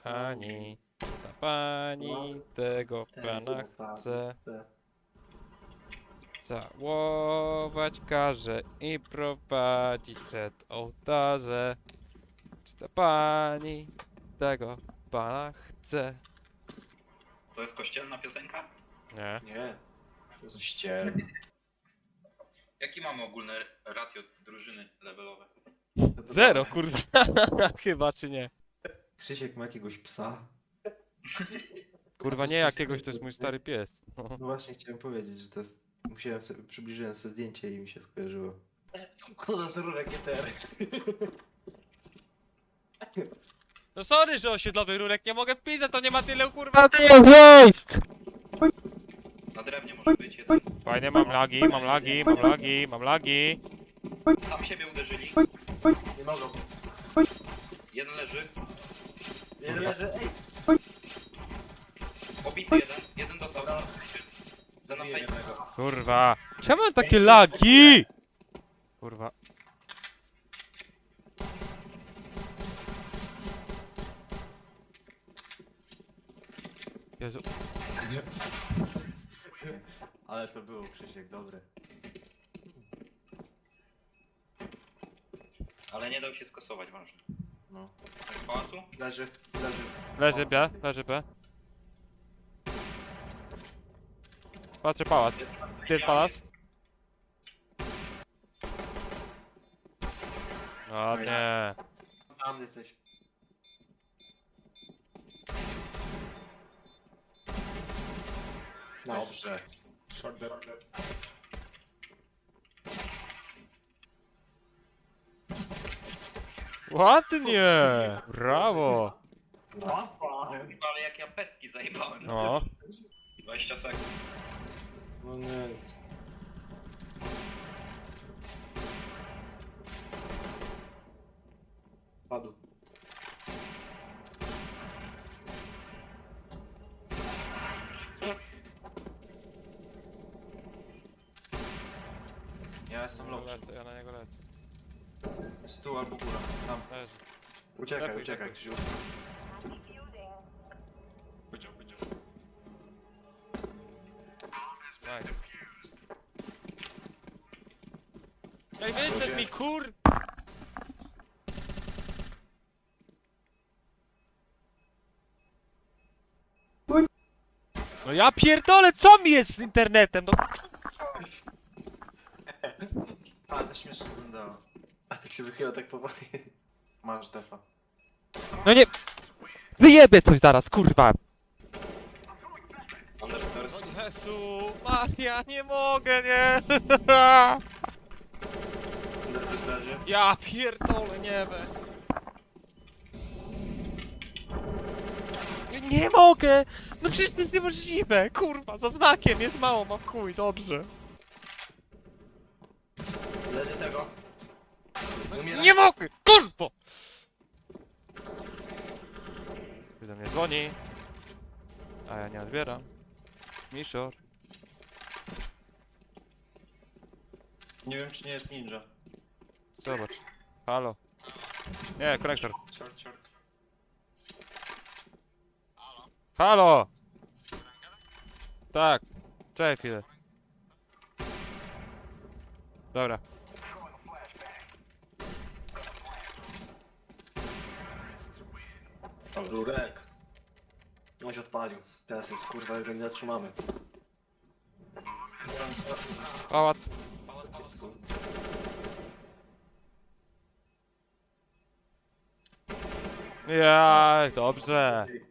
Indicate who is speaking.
Speaker 1: Ta pani tego pana chce całować każe i prowadzić przed ołtarze. Czy ta pani tego pana chce?
Speaker 2: To jest kościelna piosenka?
Speaker 1: Nie.
Speaker 3: Nie. Ściel.
Speaker 2: Jaki mamy ogólne ratio drużyny levelowe?
Speaker 1: Zero, kurwa. Chyba, czy nie?
Speaker 3: Krzysiek ma jakiegoś psa.
Speaker 1: Kurwa,
Speaker 3: A to
Speaker 1: nie
Speaker 3: jest
Speaker 1: jakiegoś,
Speaker 3: twój
Speaker 1: to jest mój
Speaker 3: pies,
Speaker 1: stary pies.
Speaker 3: No właśnie chciałem powiedzieć, że to jest... Przybliżyłem sobie zdjęcie i mi się skojarzyło. Kto nas rurek etery?
Speaker 1: No sorry, że osiedlowy rurek nie mogę wpisać, to nie ma tyle kurwa tych miejsc!
Speaker 2: Na drewnie może być jeden.
Speaker 1: Fajnie, mam lagi.
Speaker 2: Sam siebie uderzyli.
Speaker 3: Nie mogą.
Speaker 2: Jeden leży.
Speaker 3: Jeden leży, ej!
Speaker 2: Obity jeden. Jeden dostał. Za
Speaker 3: Zabiję
Speaker 2: nasajnego.
Speaker 3: jednego.
Speaker 1: Kurwa. Czemu mam takie lagi? Kurwa. Jezu.
Speaker 3: Ale to było, Krzysiek, dobre.
Speaker 2: Ale nie dał się skosować, ważne.
Speaker 3: No.
Speaker 2: Tak w pałacu?
Speaker 3: Leży.
Speaker 1: Leży B. Patrzę pałac. Gdzie jest pałac? No nie.
Speaker 3: Tam jesteś. Dobrze.
Speaker 1: Ładnie! Brawo!
Speaker 2: Ale jak ja pestki zajebałem.
Speaker 1: No.
Speaker 2: 20 sekund.
Speaker 3: No nie. Padł. Ja jestem lepszy.
Speaker 1: Ja na niego lecę.
Speaker 3: Stół albo góra. Tam.
Speaker 1: Leży.
Speaker 3: Uciekaj,
Speaker 1: Lepiej,
Speaker 3: uciekaj,
Speaker 1: lepiej.
Speaker 3: Krzysiu.
Speaker 2: Powiedział.
Speaker 1: Nice. Ej, wyszedł mi kur... No ja pierdolę, co mi jest z internetem? No,
Speaker 3: A, to śmiesznie wyglądało. A tak się wychyla tak powoli. Masz defa.
Speaker 1: no nie... Wyjebie coś zaraz, kurwa!
Speaker 2: Understairs.
Speaker 1: Jezu, Maria, nie mogę, nie!
Speaker 3: Leży.
Speaker 1: Ja pierdolę, nie we. Nie mogę! No przecież to jest niemożliwe, kurwa, za znakiem jest mało, mam chuj, dobrze.
Speaker 3: Leży tego.
Speaker 1: Nie mogę, kurwa! Ktoś do mnie dzwoni, a ja nie odbieram. Misior.
Speaker 3: Nie wiem, czy nie jest ninja.
Speaker 1: Zobacz. Halo. Nie, konektor.
Speaker 3: Short.
Speaker 1: Halo! Tak. Czekaj chwilę. Dobra.
Speaker 3: Rurek. On się odpalił. Teraz jest kurwa, że nie zatrzymamy.
Speaker 1: Pałac. Jaj, dobrze.